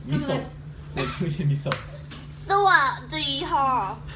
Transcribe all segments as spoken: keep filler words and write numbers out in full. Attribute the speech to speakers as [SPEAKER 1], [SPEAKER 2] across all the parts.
[SPEAKER 1] มิโซะไม่ใช่มิโซะ
[SPEAKER 2] สวัสดีค่ะ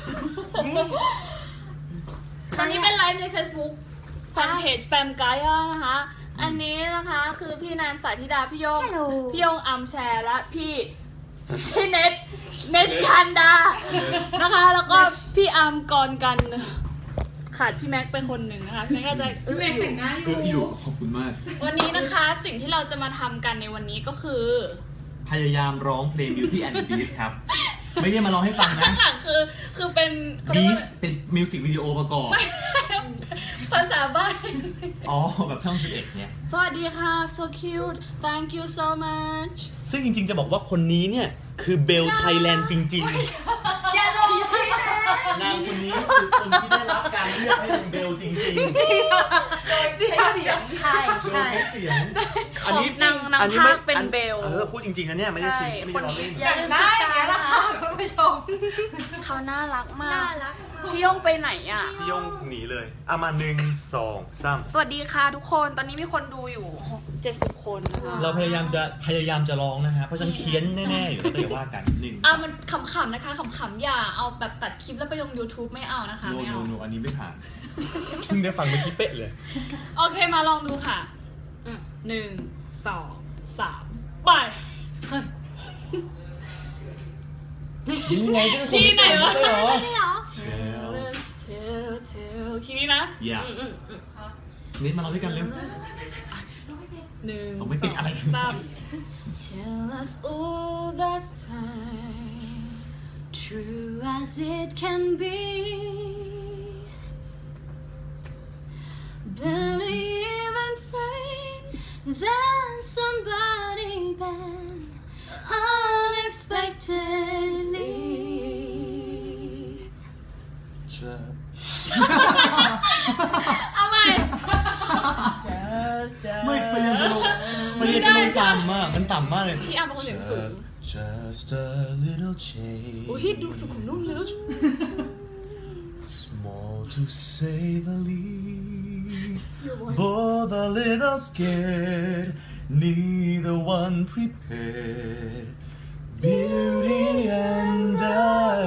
[SPEAKER 2] ตอนนี้เป็นไลฟ์ใน Facebook แฟนเพจแปมไกด์นะคะอันนี้นะคะคือพี่นานสายธิดาพี่โยงพี่โยงอัมแชร์และพี่พี่เน็ตเน็ตคันดานะคะแล้วก็พี่อัมกรกันขาดพี่แม็กไปคนหนึ่งนะคะพี่แม็กก็จะอึ้งอยู่
[SPEAKER 1] อึ้งอยู่ขอบคุณมาก
[SPEAKER 2] วันนี้นะคะสิ่งที่เราจะมาทำกันในวันนี้ก็คือ
[SPEAKER 1] พยายามร้องเพลง Beauty and the Beast ครับไม่ได้มาร้องให้ฟังนะ
[SPEAKER 2] ข้างหลังคือคือเป็น
[SPEAKER 1] Beast เป็นมิวสิกวิดีโอประกอบ
[SPEAKER 2] ภาษาบ้าน
[SPEAKER 1] อ๋อแบบช่องสิบเอ็ดเนี่ย
[SPEAKER 2] สวัสดีค่ะ so cute thank you so much
[SPEAKER 1] ซึ่งจริงๆจะบอกว่าคนนี้เนี่ยคือเบลไทยแลนด์จริงๆ
[SPEAKER 2] อย่าลงที่
[SPEAKER 1] นางคนนี้คือคนที่ได้รับการเลือกให้เป็นเบลจริงๆจริง
[SPEAKER 2] ใช้เสียงใช่
[SPEAKER 1] ใช่เสียง
[SPEAKER 2] อันนี้นางนางภาคเป็นเบล
[SPEAKER 1] เออพูดจริงๆนะเนี่ยไม่ได้สิไม่ได้ล้อเล่น
[SPEAKER 2] อย่างได้อย่างนี้ละค่ะคุณผู้ชมเขาน่ารักมากพี่ยงไปไหนอ่ะ
[SPEAKER 1] พี่ยงหนีเลยเอามาหนึ่งสองสาม
[SPEAKER 2] สวัสดีค่ะทุกคนตอนนี้มีคนดูอยู่เจ็ดสิบคนนะคะ
[SPEAKER 1] เราพยายามจะพยายามจะร้องนะฮะเพราะฉันเคี้ยนแน่ๆอยู่แล้วอย่าว่ากันหนึ่ง
[SPEAKER 2] อ่ะมันขำๆนะคะขำๆอย่าเอาแบบตัดคลิปแล้วไปลง YouTube ไม่เอานะคะ
[SPEAKER 1] ไม่
[SPEAKER 2] เอา
[SPEAKER 1] โนอันนี้ไม่ผ่านเพิ่งได้ฟังเมื่อกี้เป๊ะเลย
[SPEAKER 2] โอเคมาลองดูค่ะหนึ่งสองสามไป
[SPEAKER 1] นี่ไง
[SPEAKER 2] ที่ไหนวะ
[SPEAKER 1] ใช่หรอ
[SPEAKER 2] ใช่หรอเทลเทลเทลทีนี้นะ
[SPEAKER 1] อย่านิดมาเราด้วยกันเร็ว
[SPEAKER 2] หนึ่ง
[SPEAKER 1] ผมไม่ติดอะไร
[SPEAKER 2] สาม Tell us all that's time true as it can be believe in faith then somebody then unexpectedly เอาใหม่
[SPEAKER 1] ไม่พยายามจะลงพยายามจะลงต่ำมากมันต่ำมากเลย
[SPEAKER 2] พี่อาร์มเป็นคนเสียงสูง
[SPEAKER 1] Just a little change
[SPEAKER 2] โอ้ยดูสุขุมนุ่มเลย
[SPEAKER 1] Small to say the least Both a little scared Neither one prepared Beauty and the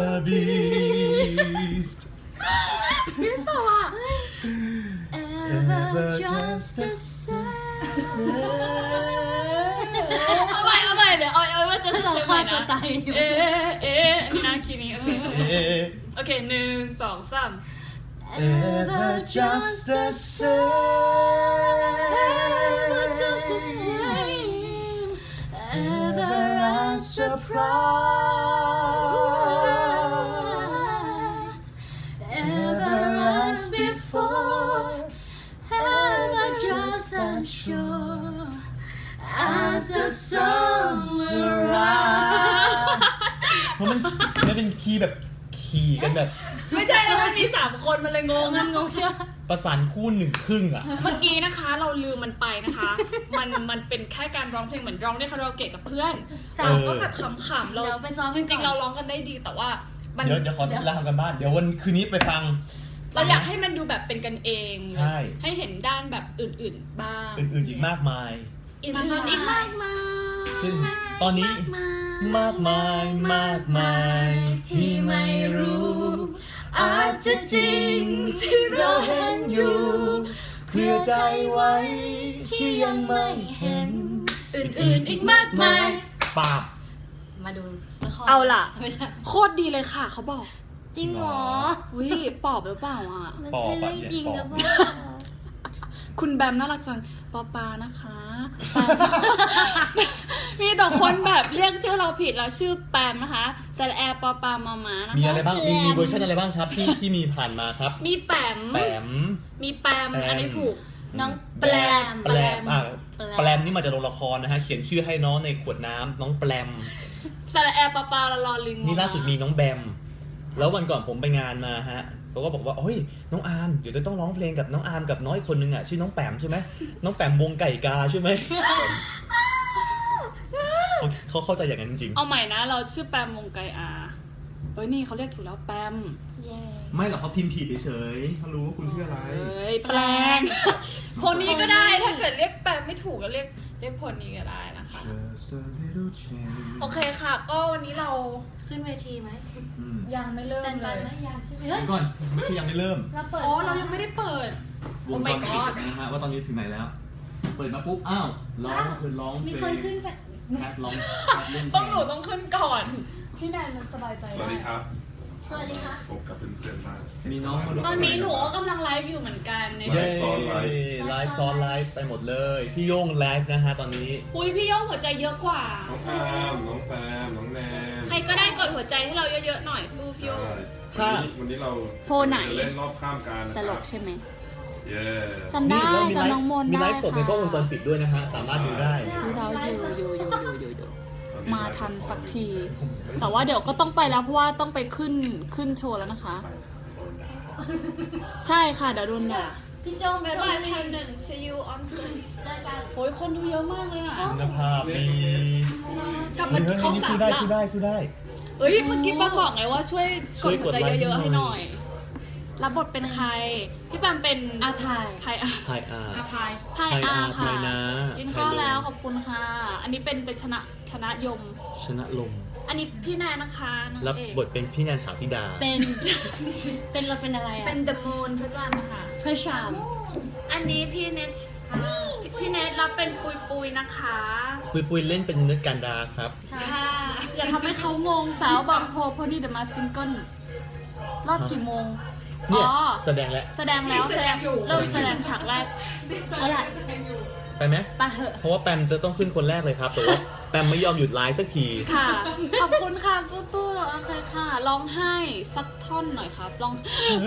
[SPEAKER 1] Beast
[SPEAKER 2] พี่เปล่าอ่ะ Ever just the same เอาใหม่เอาใหม่เดี๋ยวเอาเอาว่าจะเราฆ่าตัวตายเอ๊ะเอ๊ะนี่นะคีนี้โอเคโอเคหนึ่งสองสาม
[SPEAKER 1] Ever just the same
[SPEAKER 2] Ever just the same
[SPEAKER 1] Ever unsurprised
[SPEAKER 2] Ever as before Ever just unsure As the summer rise
[SPEAKER 1] เพราะมันจะเป็นคีย์แบบขี่กันแบบ
[SPEAKER 2] ไม่ใช่แล้วมันมีสามคนมันเลยงงมันงงใช่ไหม
[SPEAKER 1] ประสานคู่หนึ่งครึ่งอ่ะ
[SPEAKER 2] เมื่อกี้นะคะเราลืมมันไปนะคะมันมันเป็นแค่การร้องเพลงเหมือนร้องได้คาราโอเกะกับเพื่อนเราก็แบบขำๆเราจริงๆเราร้องกันได้ดีแต่ว่า
[SPEAKER 1] เดี๋ยวเดี๋ยวขอเล่ากันบ้านเดี๋ยววันคืนนี้ไปฟัง
[SPEAKER 2] เราอยากให้มันดูแบบเป็นกันเอง
[SPEAKER 1] ใช่
[SPEAKER 2] ให้เห็นด้านแบบอื่นๆบ้าง
[SPEAKER 1] อื่นๆอีกมากมาย
[SPEAKER 2] อื่นๆอีกมากมาย
[SPEAKER 1] ซึ่งตอนนี้มากมายมากมายที่ไม่รู้อาจจะจริงที่เราเห็นอยู่เพื่อใจไว้ที่ยังไม่เห็น
[SPEAKER 2] อื่นๆอีกมากมาย
[SPEAKER 1] ปาบ
[SPEAKER 2] มาดูเอาล่ะโคตรดีเลยค่ะเขาบอก
[SPEAKER 3] จริงเหรอ
[SPEAKER 2] อุ้ยปอบหรือเปล่าอ่ะ
[SPEAKER 3] มันใช่เรื่องจริงหรือเปล่า
[SPEAKER 2] คุณแบมน่ารักจังปอปานะคะมีแต่คนแบบเรียกชื่อเราผิดเราชื่อแปมนะคะจะแอร์ปอปามามานะคะ
[SPEAKER 1] มีอะไรบ้างมีมีเวอร์ชันอะไรบ้างครับที่ที่มีผ่านมาครับ
[SPEAKER 2] มีแปม
[SPEAKER 1] แปม
[SPEAKER 2] มีแปมอันนี้ถูกน้องแปม
[SPEAKER 1] แปมอ่ะแปมนี่มาจากโรงละครนะฮะเขียนชื่อให้น้องในขวดน้ำน้องแปม
[SPEAKER 2] จะแอร์ปอปาละลอลิง
[SPEAKER 1] นี่ล่าสุดมีน้องแบมแล้ววันก่อนผมไปงานมาฮะเขาก็บอกว่าโอ้ยน้องอาร์มเดี๋ยวจะต้องร้องเพลงกับน้องอาร์มกับน้อยคนนึงอ่ะชื่อน้องแปมใช่ไหมน้องแปมวงไก่กาใช่ไหมเขาเข้าใจอย่างนั้นจริง
[SPEAKER 2] เอาใหม่นะเราชื่อแปมวงไก่อาเอ้ยนี่เขาเรียกถูกแล้วแปม
[SPEAKER 1] ไม่หรอกเขาพิมพ์ผิดเฉยๆเขารู้ว่าคุณชื่ออะไร
[SPEAKER 2] เฮ้ยแปลงคนนี้ก็ได้ถ้าเกิดเรียกแปลงไม่ถูกก็เรียกเรียกผลนี้ก็ได้นะคะ
[SPEAKER 1] Just a little change
[SPEAKER 2] โอเคค่ะ ก็วันนี้เรา
[SPEAKER 3] ขึ้นเวทีไหม
[SPEAKER 1] อืม
[SPEAKER 2] ยังไม่เริ่
[SPEAKER 3] แต่
[SPEAKER 2] ม
[SPEAKER 3] น
[SPEAKER 2] เล
[SPEAKER 3] บาย
[SPEAKER 2] ย
[SPEAKER 3] ไหมยังใช่ไหม
[SPEAKER 1] เดี๋ยวก่อนไม่ใช่ยังไม่เริ่ม
[SPEAKER 3] เราเปิด
[SPEAKER 2] อ๋อเรายังไม่ได้เปิด
[SPEAKER 1] วงจรปิดนะฮะว่าตอนนี้ถึงไหนแล้ว เปิดมาปุ๊บ อ้าว ร้องคือร้องเพ
[SPEAKER 3] มี
[SPEAKER 1] ล
[SPEAKER 3] คน
[SPEAKER 1] ง
[SPEAKER 3] ขึ้นไป
[SPEAKER 1] แคทร้องแคทเล่นเพล
[SPEAKER 2] ต้องหนูต้องขึ้นก่อน พี่แนนมันสบายใจ
[SPEAKER 4] สวัสดีครับ
[SPEAKER 3] สวัสดีค่ะ
[SPEAKER 4] พบกับเพื่อนๆบ้าง
[SPEAKER 1] มีน้องมาดู
[SPEAKER 2] ตอนนี้หนูก็กำลังไลฟ์อยู่เหมือนกันใน
[SPEAKER 1] เย้
[SPEAKER 4] ซ้อนไลฟ์
[SPEAKER 1] ไลฟ์ซ้อนไลฟ์ไปหมดเลย พี่โย่งไลฟ์นะฮะตอนนี้
[SPEAKER 2] อุ้ยพี่โย่งหัวใจเยอะกว่า
[SPEAKER 4] น้องแอมน้องแฟมน้องแนน
[SPEAKER 2] ใครก็ได้กดหัวใจให้เราเยอะๆหน่อยสู้พี่โย่ง
[SPEAKER 4] ใช่วันนี้วันนี้เรา
[SPEAKER 2] โพลไหน
[SPEAKER 4] จะเล่นรอบข้ามการนะ
[SPEAKER 2] ต
[SPEAKER 4] ค
[SPEAKER 2] ล
[SPEAKER 4] รับ
[SPEAKER 2] กใช่ไหม
[SPEAKER 4] เย้
[SPEAKER 2] จำได้
[SPEAKER 1] แล้วมีไล
[SPEAKER 2] จำ
[SPEAKER 1] ฟ์
[SPEAKER 2] น้องมนต์
[SPEAKER 1] มี
[SPEAKER 2] ได้
[SPEAKER 1] ไลฟ์สดในกล้องวงจรปิดด้วยนะฮะ สามารถดูได้
[SPEAKER 2] พี่เราอยู่อยู่อยู่อยู่อยู่อยู่
[SPEAKER 4] ตอนนี้
[SPEAKER 2] มาทันสักที แต่ว่าเดี๋ยวก็ต้องไปแล้วเพราะว่าต้องไปขึ้นขึ้นโชว์แล้วนะคะ ใช่ค่ะเดี๋ยวโดนด่า
[SPEAKER 3] พี่โจม
[SPEAKER 2] บ๊ายบายพันหนึ่ง see you on stage
[SPEAKER 3] เจอกัน
[SPEAKER 2] โอ้ยคนดูเยอะมากเลยอ่ะ
[SPEAKER 1] คุณภาพดี
[SPEAKER 2] กลับ
[SPEAKER 1] เฮ้
[SPEAKER 2] มาย
[SPEAKER 1] เฮ้ย
[SPEAKER 2] เข้า
[SPEAKER 1] นี่
[SPEAKER 2] สา
[SPEAKER 1] ซื้
[SPEAKER 2] ม
[SPEAKER 1] อได้
[SPEAKER 2] ละ
[SPEAKER 1] ซื้อได้ซื้อได้
[SPEAKER 2] เอ้ยเมื่อกี้ป้าบอกไงว่าช่วยก
[SPEAKER 1] ช่ว
[SPEAKER 2] ด
[SPEAKER 1] ย
[SPEAKER 2] หัวใจ
[SPEAKER 1] กดไลค์
[SPEAKER 2] เยอะๆ
[SPEAKER 1] ให้
[SPEAKER 2] ให้
[SPEAKER 1] ห
[SPEAKER 2] ห
[SPEAKER 1] น่
[SPEAKER 2] น่
[SPEAKER 1] อ
[SPEAKER 2] อย ย รับบทเป็นใคร พี่ปามเป็น
[SPEAKER 3] อาทาย
[SPEAKER 2] ใครอ่ะ
[SPEAKER 1] ไฮอาร์
[SPEAKER 3] อาพาย
[SPEAKER 2] ไพอา
[SPEAKER 1] ไพอา
[SPEAKER 2] ค่ะ
[SPEAKER 1] ไพนา
[SPEAKER 2] กินข้าว
[SPEAKER 1] ไพโล
[SPEAKER 2] แล้วขอบคุณค่ะ อันนี้เป็นเป็นชนะชนะยม
[SPEAKER 1] ชนะลม
[SPEAKER 2] อันนี้พี่แนนนะคะนาง
[SPEAKER 1] รับ
[SPEAKER 2] เอก
[SPEAKER 1] บทเป็นพี่แนนสาวธิดา
[SPEAKER 2] เป็น
[SPEAKER 3] เป็นเราเป็นอะไรอ่ะ
[SPEAKER 2] เป็น The Moon พระจันทร์ค่ะ
[SPEAKER 3] พระชาม
[SPEAKER 2] อันนี้พี่เนทพี่เนทรับเป็นปุยปุยๆนะคะ
[SPEAKER 1] ปุยปุยเล่นเป็นเนื้อการดาครับ
[SPEAKER 3] ค่ะ
[SPEAKER 2] อย่าทำให้เขางงสาวบางโพพอดีเดอะมาซิงเกิลรอบกี่โมง
[SPEAKER 1] เนี่ย
[SPEAKER 2] อ๋อ
[SPEAKER 1] แสดงแล้ว
[SPEAKER 2] แสดงแล้วแสดงเริ่มแสดงฉากแรก
[SPEAKER 3] เอาล่ะ
[SPEAKER 1] ไปไหม
[SPEAKER 2] ไปเหอะ
[SPEAKER 1] เพราะว่าแปมจะต้องขึ้นคนแรกเลยครับ แต่ว่าแปมไม่ยอมหยุดไลฟ์สักที
[SPEAKER 2] ค่ะ ขอบคุณค่ะ สู้ๆแล้วโอเคค่ะร้องไห้สักท่อนหน่อยครับร้อง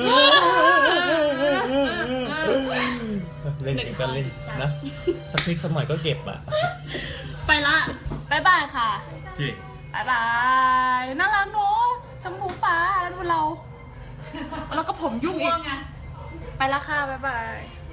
[SPEAKER 1] เล่นเองก็เล่นนะ สักนิดสักหน่อยก็เก็บอ่ะ
[SPEAKER 2] ไปละบายบายค่ะ
[SPEAKER 1] โอเค
[SPEAKER 2] บายบายน่ารักเนอะชมพูฟ้าแล้วดูเรา แล้วก็ผมยุ่งอีกไปละค่ะบายบาย